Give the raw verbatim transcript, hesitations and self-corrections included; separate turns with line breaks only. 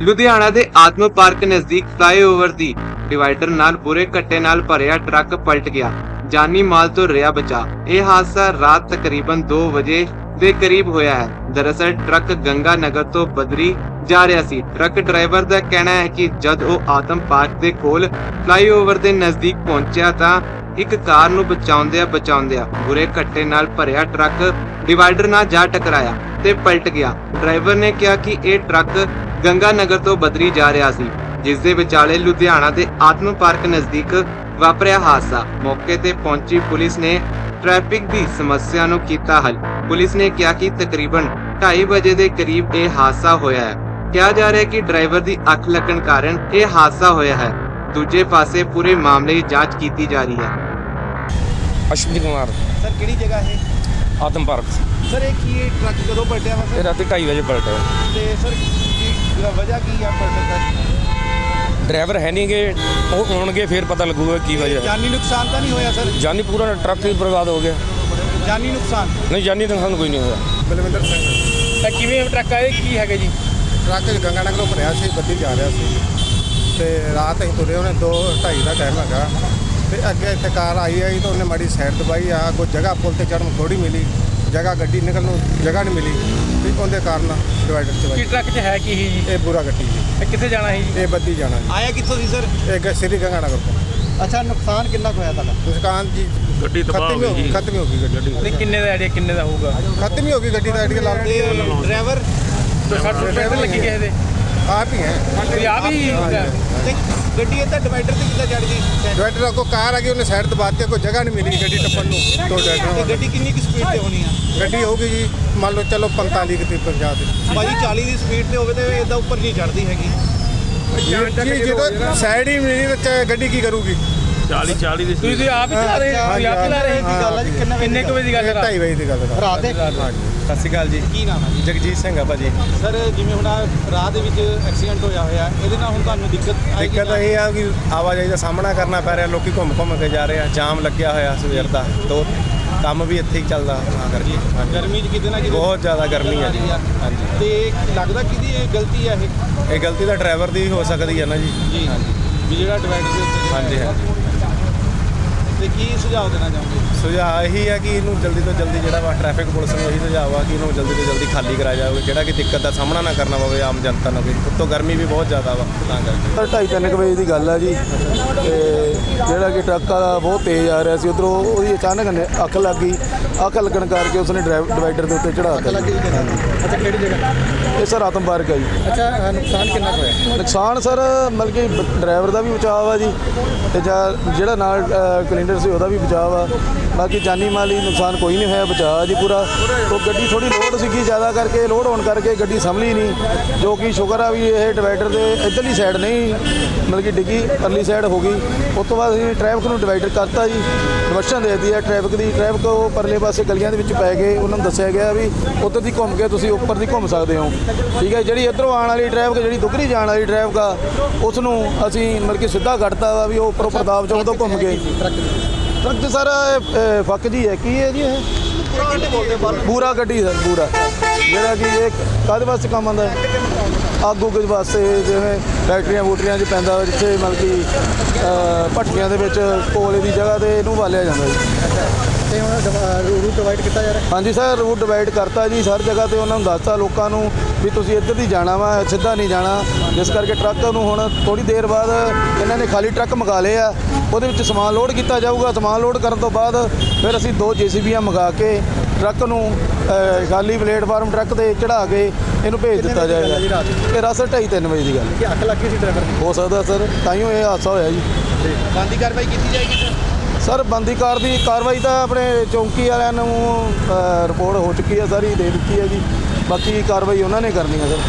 ਲੁਧਿਆਣਾ ਦੇ ਆਤਮ ਪਾਰਕ ਨਜ਼ਦੀਕ ਫਲਾਈਓਵਰ ਦੀ ਡਿਵਾਈਡਰ ਨਾਲ ਬੁਰੇ ਘੱਟੇ ਨਾਲ ਭਰਿਆ ਟਰੱਕ ਪਲਟ ਗਿਆ। ਜਾਨੀ ਮਾਲ ਤੋਂ ਰਿਹਾ ਬਚਾ। ਇਹ ਹਾਦਸਾ ਰਾਤ ਤਕਰੀਬਨ ਦੋ ਵਜੇ ਦੇ ਕਰੀਬ ਹੋਇਆ ਹੈ। ਦਰਅਸਲ ਟਰੱਕ ਗੰਗਾ ਨਗਰ ਤੋਂ ਬਦਰੀ ਜਾ ਰਿਹਾ ਸੀ। ਟਰੱਕ ਡਰਾਈਵਰ ਦਾ ਕਹਿਣਾ ਹੈ ਕਿ ਜਦ ਉਹ ਆਤਮ ਪਾਰਕ ਦੇ ਕੋਲ ਫਲਾਈਓਵਰ ਦੇ ਨਜ਼ਦੀਕ ਪਹੁੰਚਿਆ ਤਾਂ ਇੱਕ ਕਾਰ ਨੂੰ ਬਚਾਉਂਦਿਆਂ ਬਚਾਉਂਦਿਆਂ ਬੁਰੇ ਘੱਟੇ ਨਾਲ ਭਰਿਆ ਟਰੱਕ ਡਿਵਾਈਡਰ ਨਾਲ ਜਾ ਟਕਰਾਇਆ ਤੇ ਪਲਟ ਗਿਆ। ਡਰਾਈਵਰ ਨੇ ਕਿਹਾ ਕਿ ਇਹ ਟਰੱਕ ਗੰਗਾ ਨਗਰ ਤੋਂ ਬਦਰੀ ਜਾ ਰਿਹਾ ਸੀ, ਜਿਸ ਦੇ ਵਿਚਾਲੇ ਲੁਧਿਆਣਾ ਦੇ ਆਤਮ ਪਾਰਕ ਨਜ਼ਦੀਕ ਵਾਪਰਿਆ ਹਾਦਸਾ। ਮੌਕੇ ਤੇ ਪਹੁੰਚੀ ਪੁਲਿਸ ਨੇ ਟ੍ਰੈਫਿਕ ਦੀ ਸਮੱਸਿਆ ਨੂੰ ਕੀਤਾ ਹੱਲ। ਪੁਲਿਸ ਨੇ ਕਿਹਾ ਕਿ ਤਕਰੀਬਨ ਢਾਈ ਵਜੇ ਦੇ ਕਰੀਬ ਇਹ ਹਾਦਸਾ ਹੋਇਆ ਹੈ। ਕਿਹਾ ਜਾ ਰਿਹਾ ਹੈ ਕਿ ਡਰਾਈਵਰ ਦੀ ਅੱਖ ਲੱਗਣ ਕਾਰਨ ਇਹ ਹਾਦਸਾ ਹੋਇਆ ਹੈ। ਦੂਜੇ ਪਾਸੇ ਪੂਰੇ ਮਾਮਲੇ ਦੀ ਜਾਂਚ ਕੀਤੀ ਜਾ ਰਹੀ ਹੈ।
ਅਸ਼ਵਨੀ ਕੁਮਾਰ
ਸਰ ਕਿਹੜੀ ਜਗ੍ਹਾ ਹੈ?
ਆਤਮ ਪਾਰਕ।
ਸਰ ਇਹ ਕੀ ਇਹ ਟਰੱਕ ਕਦੋਂ ਪਲਟਿਆ ਵਾ
ਇਹ
ਸਰ?
ਰਾਤੀ ਢਾਈ ਵਜੇ ਪਲਟਿਆ।
ਤੇ ਸਰ ਕੀ ਵਜ੍ਹਾ ਕੀ ਆ ਪਲਟਣ ਦਾ?
ਡਰਾਈਵਰ ਹੈ ਨਹੀਂ ਗੇ, ਉਹ ਆਉਣਗੇ ਫਿਰ ਪਤਾ ਲੱਗੂਗਾ ਕੀ ਵਜ੍ਹਾ ਹੈ।
ਜਾਨੀ ਨੁਕਸਾਨ ਤਾਂ ਨਹੀਂ ਹੋਇਆ ਸਰ?
ਜਾਨੀ ਪੂਰਾ ਟਰੱਕ ਹੀ ਬਰਬਾਦ ਹੋ ਗਿਆ।
ਜਾਨੀ ਨੁਕਸਾਨ
ਨਹੀਂ, ਜਾਨੀ ਨੁਕਸਾਨ ਕੋਈ ਨਹੀਂ ਹੋਇਆ।
ਬਲਵਿੰਦਰ ਸਿੰਘ।
ਤਾਂ ਕਿਵੇਂ ਟਰੱਕ ਆਏ ਕੀ ਹੈਗਾ ਜੀ?
ਟਰੱਕ ਗੰਗਾ ਨਗਰੋਂ ਭਰਿਆ ਸੀ, ਬੱਦੀ ਜਾ ਰਿਹਾ ਸੀ ਤੇ ਰਾਤ ਅਸੀਂ ਤੁਰੇ, ਉਹਨੇ ਦੋ ਢਾਈ ਦਾ ਟਾਈਮ ਹੈਗਾ ਤੇ ਅੱਗੇ ਇੱਥੇ ਕਾਰ ਆਈ ਆਈ ਤਾਂ ਉਹਨੇ ਮਾੜੀ ਸਾਈਡ ਦਬਾਈ ਆ। ਕੋਈ ਜਗ੍ਹਾ ਪੁਲ ਤੇ ਚੜ੍ਹਨ ਥੋੜੀ ਮਿਲੀ, ਜਗ੍ਹਾ ਗੱਡੀ ਨਿਕਲਣ ਨੂੰ ਜਗ੍ਹਾ ਨਹੀਂ ਮਿਲੀ ਤੇ ਉਹਦੇ ਕਾਰਨ ਡਿਵਾਈਡਰ 'ਚ
ਕੀ
ਵੱਜੀ।
ਟਰੱਕ 'ਚ ਹੈ ਕੀ ਸੀ ਜੀ?
ਇਹ ਬੁਰਾ ਗੱਡੀ ਜੀ,
ਇਹ ਕਿੱਥੇ ਜਾਣਾ ਸੀ ਜੀ?
ਇਹ ਬੱਦੀ ਜਾਣਾ ਜੀ।
ਆਇਆ ਕਿੱਥੋਂ ਸੀ ਸਰ?
ਇਹ ਗ- ਸ੍ਰੀ ਗੰਗਾ ਨਗਰ ਤੋਂ।
ਅੱਛਾ, ਨੁਕਸਾਨ ਕਿੰਨਾ ਕੁ ਹੋਇਆ ਤੁਹਾਡਾ?
ਦੁਕਾਨ ਜੀ
ਗੱਡੀ ਤਬਾਹ
ਖਤਮ ਹੀ ਹੋ ਗਈ, ਖਤਮ ਹੀ ਹੋ ਗਈ ਗੱਡੀ।
ਤੇ ਕਿੰਨੇ ਦਾ ਆਈਡੀਆ ਕਿੰਨੇ ਦਾ ਹੋਊਗਾ?
ਖਤਮ ਹੀ ਹੋ ਗਈ ਗੱਡੀ ਦਾ ਆਈਡੀਆ ਲਾ
ਤੇ ਡਰਾਈਵਰ ਸੱਠ ਰੁਪਏ ਲੱਗੀ ਕਿਸੇ ਦੇ?
ਆਪ ਹੀ ਹੈ।
ਤੇ ਆ ਵੀ ਤੇ ਗੱਡੀ ਇੱਦਾਂ ਡਿਵਾਈਡਰ ਤੇ ਕਿੱਦਾਂ ਚੜ ਗਈ?
ਡਿਵਾਈਡਰ ਅੱਗੋਂ ਕਾਰ ਆ ਗਈ, ਉਹਨੇ ਸਾਈਡ ਦਬਾ ਦਿੱਤੀ, ਕੋਈ ਜਗ੍ਹਾ ਨਹੀਂ ਮਿਲੀ ਗੱਡੀ ਟੱਪਣ ਨੂੰ। ਤੋਂ
ਤੇ
ਡਿਵਾਈਡਰ
ਗੱਡੀ ਕਿੰਨੀ ਕੁ ਸਪੀਡ ਤੇ ਹੋਣੀ ਆ?
ਗੱਡੀ ਹੋਊਗੀ ਜੀ ਮੰਨ ਲਓ ਚਲੋ ਪੰਤਾਲੀ ਕਿਤੇ ਪੰਜਾਹ ਤੇ
ਭਾਜੀ ਚਾਲੀ ਦੀ ਸਪੀਡ ਤੇ ਹੋਵੇ ਤੇ ਇਦਾਂ ਉੱਪਰ ਨਹੀਂ ਚੜਦੀ ਹੈਗੀ।
ਜੀ ਜਦੋਂ ਸਾਈਡ ਹੀ ਮਿਲੀ ਤਾਂ ਗੱਡੀ ਕੀ ਕਰੂਗੀ?
ਚਾਲੀ ਚਾਲੀ ਦੀ
ਤੁਸੀਂ ਆਪ ਹੀ ਚਲਾ ਰਹੇ ਹੋ? ਤੁਸੀਂ ਆਪ ਚਲਾ ਰਹੇ ਹੋ? ਗੱਲ ਆ ਜੀ ਕਿੰਨੇ ਕੁ ਵਜੇ ਦੀ ਗੱਲ ਹੈ?
ਢਾਈ ਵਜੇ ਦੀ ਗੱਲ ਹੈ
ਰਾਤ ਦੇ?
ਸਤਿ ਸ਼੍ਰੀ ਅਕਾਲ ਜੀ।
ਕੀ ਨਾਮ ਹੈ ਜੀ?
ਜਗਜੀਤ ਸਿੰਘ ਆ ਭਾਜੀ।
ਸਰ ਜਿਵੇਂ ਹੁਣ ਆਹ ਰਾਹ ਦੇ ਵਿੱਚ ਐਕਸੀਡੈਂਟ ਹੋਇਆ ਹੋਇਆ, ਇਹਦੇ ਨਾਲ ਹੁਣ ਤੁਹਾਨੂੰ ਦਿੱਕਤ ਆਏਗੀ?
ਦਿੱਕਤ ਇਹ ਆ ਕਿ ਆਵਾਜਾਈ ਦਾ ਸਾਹਮਣਾ ਕਰਨਾ ਪੈ ਰਿਹਾ। ਲੋਕੀ ਘੁੰਮ ਘੁੰਮ ਕੇ ਜਾ ਰਹੇ ਆ, ਜਾਮ ਲੱਗਿਆ ਹੋਇਆ ਸਵੇਰ ਦਾ, ਤੋਂ ਕੰਮ ਵੀ ਇੱਥੇ ਹੀ ਚੱਲਦਾ ਤਾਂ ਕਰਕੇ। ਹਾਂਜੀ।
ਗਰਮੀ 'ਚ ਕਿਤੇ ਨਾ ਕਿਤੇ
ਬਹੁਤ ਜ਼ਿਆਦਾ ਗਰਮੀ ਆ ਜੀ। ਹਾਂਜੀ।
ਤੇ ਲੱਗਦਾ ਕਿਹਦੀ ਇਹ ਗਲਤੀ ਆ ਇਹ?
ਇਹ ਗਲਤੀ ਤਾਂ ਡਰਾਈਵਰ ਦੀ ਹੋ ਸਕਦੀ ਹੈ ਨਾ ਜੀ।
ਜੀ ਵੀ ਜਿਹੜਾ ਡਿਵਾਈਡਰ ਦੇ ਉੱਤੇ
ਹਾਂਜੀ ਹਾਂਜੀ।
ਤੇ ਕੀ ਸੁਝਾਅ ਦੇਣਾ ਚਾਹੁੰਦੇ?
ਸੁਝਾਅ ਇਹੀ ਹੈ ਕਿ ਇਹਨੂੰ ਜਲਦੀ ਤੋਂ ਜਲਦੀ ਜਿਹੜਾ ਵਾ ਟ੍ਰੈਫਿਕ ਪੁਲਿਸ ਨੂੰ ਇਹੀ ਸੁਝਾਅ ਆ ਕਿ ਇਹਨੂੰ ਜਲਦੀ ਤੋਂ ਜਲਦੀ ਖਾਲੀ ਕਰਾਇਆ ਜਾਵੇ, ਜਿਹੜਾ ਕਿ ਦਿੱਕਤ ਦਾ ਸਾਹਮਣਾ ਨਾ ਕਰਨਾ ਪਵੇ ਆਮ ਜਨਤਾ ਨੂੰ। ਉੱਤੋਂ ਗਰਮੀ ਵੀ ਬਹੁਤ ਜ਼ਿਆਦਾ ਵਾ ਤਾਂ ਕਰਕੇ।
ਸਰ ਢਾਈ ਤਿੰਨ ਕੁ ਵਜੇ ਦੀ ਗੱਲ ਆ ਜੀ ਤੇ ਜਿਹੜਾ ਕਿ ਟਰੱਕ ਵਾਲਾ ਬਹੁਤ ਤੇਜ਼ ਆ ਰਿਹਾ ਸੀ, ਉੱਧਰੋਂ ਉਹਦੀ ਅਚਾਨਕ ਨੇ ਅੱਖ ਲੱਗ ਗਈ। ਅੱਖ ਲੱਗਣ ਕਰਕੇ ਉਸਨੇ ਡਰਾਈਵ ਡਿਵਾਈਡਰ ਦੇ ਉੱਤੇ ਚੜ੍ਹਾ ਦਿੱਤਾ।
ਅੱਛਾ, ਕਿਹੜੀ ਜਗ੍ਹਾ?
ਇਹ ਸਰ ਆਤਮ ਪਾਰਕ ਆ ਜੀ।
ਅੱਛਾ, ਨੁਕਸਾਨ ਕਿੰਨਾ ਕੁ ਹੋਇਆ?
ਨੁਕਸਾਨ ਸਰ ਮਤਲਬ ਕਿ ਬ- ਡਰਾਈਵਰ ਦਾ ਵੀ ਬਚਾਅ ਆ ਜੀ ਤੇ ਜਾਂ ਜਿਹੜਾ ਨਾਲ ਕਲਿੰਡਰ ਸੀ ਉਹਦਾ ਵੀ ਬਚਾਅ ਆ। ਬਾਕੀ ਜਾਨੀ ਮਾਲੀ ਨੁਕਸਾਨ ਕੋਈ ਨਹੀਂ ਹੋਇਆ, ਬਚਾਅ ਜੀ ਪੂਰਾ। ਉਹ ਗੱਡੀ ਥੋੜੀ ਲੋਡ ਸੀਗੀ, ਜ਼ਿਆਦਾ ਕਰਕੇ ਲੋਡ ਹੋਣ ਕਰਕੇ ਗੱਡੀ ਸੰਭਲੀ ਨਹੀਂ, ਜੋ ਕਿ ਸ਼ੁਕਰ ਆ ਵੀ ਇਹ ਡਿਵਾਈਡਰ ਦੇ ਇੱਧਰਲੀ ਸਾਈਡ ਨਹੀਂ ਮਤਲਬ ਕਿ ਡਿੱਗੀ, ਪਰਲੀ ਸਾਈਡ ਹੋ ਗਈ। ਉਸ ਤੋਂ ਬਾਅਦ ਅਸੀਂ ਟ੍ਰੈਫਿਕ ਨੂੰ ਡਿਵਾਈਡਰ ਕਰਤਾ ਜੀ, ਡਿਵਰਸ਼ਨ ਦੇ ਦਿੱਤੀ ਹੈ ਟ੍ਰੈਫਿਕ ਦੀ। ਟ੍ਰੈਫਿਕ ਉਹ ਪਰਲੇ ਪਾਸੇ ਗਲੀਆਂ ਦੇ ਵਿੱਚ ਪੈ ਗਏ, ਉਹਨਾਂ ਨੂੰ ਦੱਸਿਆ ਗਿਆ ਵੀ ਉੱਧਰ ਦੀ ਘੁੰਮ ਕੇ ਤੁਸੀਂ ਉੱਪਰ ਦੀ ਘੁੰਮ ਸਕਦੇ ਹੋ। ਠੀਕ ਹੈ, ਜਿਹੜੀ ਇੱਧਰੋਂ ਆਉਣ ਵਾਲੀ ਟ੍ਰੈਫਿਕ, ਜਿਹੜੀ ਦੁਗਰੀ ਜਾਣ ਵਾਲੀ ਟ੍ਰੈਫਿਕ ਆ, ਉਸ ਨੂੰ ਅਸੀਂ ਮਤਲਬ ਕਿ ਸਿੱਧਾ ਕੱਢਤਾ ਵਾ ਵੀ ਉਹ ਉੱਪਰੋਂ ਪ੍ਰਤਾਪ ਚੌਂਕ ਤੋਂ ਘੁੰਮ ਕੇ। ਟਰੱਕ ਤੇ ਸਰ ਇਹ ਫੱਕ ਜੀ ਹੈ, ਕੀ ਹੈ ਜੀ ਇਹ? ਪੂਰਾ ਗੱਡੀ ਸਰ, ਪੂਰਾ ਜਿਹੜਾ ਕਿ ਇਹ ਕਾਹਦੇ ਵਾਸਤੇ ਕੰਮ ਆਉਂਦਾ ਹੈ? ਅੱਗ ਉੱਗ ਵਾਸਤੇ, ਜਿਵੇਂ ਫੈਕਟਰੀਆਂ ਫੂਟਰੀਆਂ 'ਚ ਪੈਂਦਾ, ਜਿੱਥੇ ਮਤਲਬ ਕਿ ਭੱਠੀਆਂ ਦੇ ਵਿੱਚ ਕੋਲੇ ਦੀ ਜਗ੍ਹਾ 'ਤੇ ਇਹਨੂੰ ਬਾਲਿਆ ਜਾਂਦਾ ਜੀ।
ਤੇ ਹੁਣ ਰੂਟ ਡਿਵਾਈਡ ਕੀਤਾ ਜਾ ਰਿਹਾ?
ਹਾਂਜੀ ਸਰ, ਰੂਟ ਡਿਵਾਈਡ ਕਰਤਾ ਜੀ ਹਰ ਜਗ੍ਹਾ 'ਤੇ। ਉਹਨਾਂ ਨੂੰ ਦੱਸਤਾ ਲੋਕਾਂ ਨੂੰ ਵੀ ਤੁਸੀਂ ਇੱਧਰ ਦੀ ਜਾਣਾ ਵਾ, ਸਿੱਧਾ ਨਹੀਂ ਜਾਣਾ। ਜਿਸ ਕਰਕੇ ਟਰੱਕ ਨੂੰ ਹੁਣ ਥੋੜ੍ਹੀ ਦੇਰ ਬਾਅਦ ਇਹਨਾਂ ਨੇ ਖਾਲੀ ਟਰੱਕ ਮੰਗਾ ਲਏ ਆ, ਉਹਦੇ ਵਿੱਚ ਸਮਾਨ ਲੋਡ ਕੀਤਾ ਜਾਊਗਾ। ਸਮਾਨ ਲੋਡ ਕਰਨ ਤੋਂ ਬਾਅਦ ਫਿਰ ਅਸੀਂ ਦੋ ਜੇ ਸੀ ਬੀਆਂ ਮੰਗਾ ਕੇ ਟਰੱਕ ਨੂੰ ਅ, ਖਾਲੀ ਪਲੇਟਫਾਰਮ ਟਰੱਕ 'ਤੇ ਚੜ੍ਹਾ ਕੇ ਇਹਨੂੰ ਭੇਜ ਦਿੱਤਾ ਜਾਏਗਾ। ਇਹ ਰਾਤ ਢਾਈ ਤਿੰਨ ਵਜੇ ਦੀ ਗੱਲ
ਕਿ ਅੱਖ ਲੱਗ ਗਈ ਸੀ ਡਰਾਈਵਰ ਦੀ?
ਹੋ ਸਕਦਾ ਸਰ, ਤਾਂ ਹੀ ਇਹ ਹਾਦਸਾ ਹੋਇਆ ਜੀ।
ਬੰਦੀ ਕਾਰਵਾਈ ਕੀਤੀ ਜਾਏਗੀ ਸਰ?
ਸਰ ਬੰਦੀ ਕਾਰ ਦੀ ਕਾਰਵਾਈ ਤਾਂ ਆਪਣੇ ਚੌਂਕੀ ਵਾਲਿਆਂ ਨੂੰ ਅ, ਰਿਪੋਰਟ ਹੋ ਚੁੱਕੀ ਹੈ, ਸਾਰੀ ਦੇ ਦਿੱਤੀ ਹੈ ਜੀ। ਬਾਕੀ ਕਾਰਵਾਈ ਉਹਨਾਂ ਨੇ ਕਰਨੀ ਹੈ ਸਰ।